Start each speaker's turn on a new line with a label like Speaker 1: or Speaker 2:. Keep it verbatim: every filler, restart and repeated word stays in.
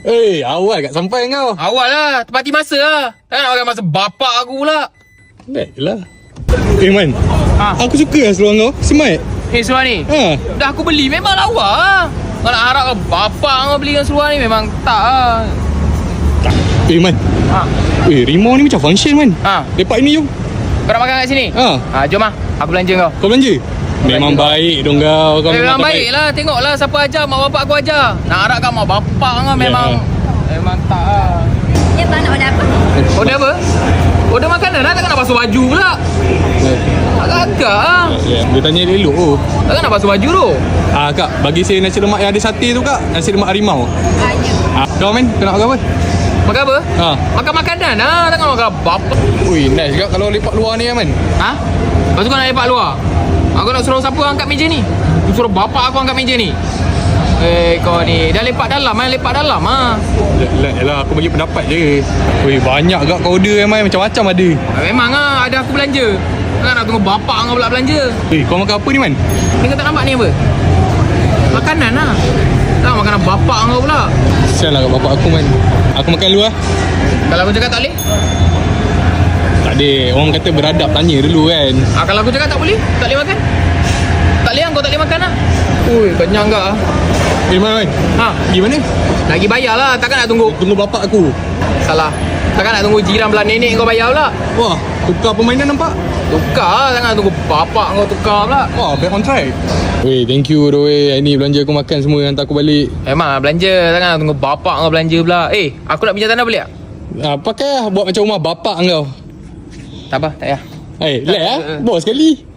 Speaker 1: Eh, awal kat sampai kau.
Speaker 2: Awal lah, tepati masa lah. Takkan nak pakai masa bapak aku pula.
Speaker 1: Baik lah. Eh Man,
Speaker 2: Ha.
Speaker 1: aku suka lah seluar kau. Smart.
Speaker 2: Eh, seluar ni?
Speaker 1: Ha.
Speaker 2: Dah aku beli, memang lawa lah. Kau nak harap ke bapak kau belikan seluar ni, memang tak lah.
Speaker 1: Eh Man,
Speaker 2: Ha.
Speaker 1: eh rimau ni macam function Man.
Speaker 2: Ha.
Speaker 1: Lepak ni jom.
Speaker 2: Kau nak makan kat sini?
Speaker 1: Ha.
Speaker 2: Ha, jom lah. Aku belanja kau.
Speaker 1: Kau belanja? Memang
Speaker 2: Belanja.
Speaker 1: baik dong kau. Kau
Speaker 2: Eh, memang
Speaker 1: tak
Speaker 2: baik lah. Tengoklah siapa ajar. Mak bapak aku ajar. Nak harap kat mak bapak kau memang... Memang tak lah.
Speaker 3: Ya bang, nak order apa?
Speaker 2: Order apa? Order makanan lah. Takkan nak basuh baju pula. Agak-agak lah.
Speaker 1: Ya, dia tanya dia elok oh.
Speaker 2: Takkan nak basuh baju tu.
Speaker 1: Ah kak, bagi saya nasi lemak yang ada sate tu kak. Nasi lemak harimau.
Speaker 3: Ah, ya.
Speaker 1: Ah, kau Man, kau nak makan apa?
Speaker 2: Makan apa?
Speaker 1: Ha.
Speaker 2: Makan makanan lah. Takkan makan bapak.
Speaker 1: Ui, nice juga kalau lepak luar ni Man.
Speaker 2: Ha? Lepas tu kau nak lepak luar? Aku nak suruh siapa angkat meja ni? Aku suruh bapak aku angkat meja ni. Eh, kau ni dah lepak dalam kan? Lepak dalam ah.
Speaker 1: Yalah, aku bagi pendapat je. Ui, banyak gak kau order Man, macam-macam ada.
Speaker 2: Memang ah, ada aku belanja. Takkan nak tunggu bapak kau pula belanja.
Speaker 1: Eh, kau makan apa ni Man?
Speaker 2: Ni kau tak nampak ni apa? Makanan lah. Tak makanan bapak kau pula.
Speaker 1: Sial lah kat bapak aku Man. Aku makan dulu lah.
Speaker 2: Kalau aku cakap tak boleh?
Speaker 1: Tak ada, orang kata beradab tanya dulu kan.
Speaker 2: Ah, kalau aku cakap tak boleh? Tak boleh makan? Tak boleh, kau tak boleh makan lah. Ui, kenyang tak ah?
Speaker 1: Eh Man, Man.
Speaker 2: Ha,
Speaker 1: Gimana?
Speaker 2: lagi bayar lah. Takkan nak tunggu.
Speaker 1: Tunggu bapak aku.
Speaker 2: Salah. Takkan nak tunggu jiran belah nenek kau bayar pula.
Speaker 1: Wah, tukar permainan nampak?
Speaker 2: Tukar lah. Takkan nak tunggu bapak kau tukar pula.
Speaker 1: Wah, back on track. Weh, thank you doh weh. Hari ni belanja aku makan semua, hantar aku balik.
Speaker 2: Memang lah belanja. Takkan nak tunggu bapak kau belanja pula. Eh, aku nak pinjam tanah boleh tak?
Speaker 1: Ah, pakai lah, buat macam rumah bapak kau.
Speaker 2: Tak apa, tak payah.
Speaker 1: Eh, relax lah. Bos sekali.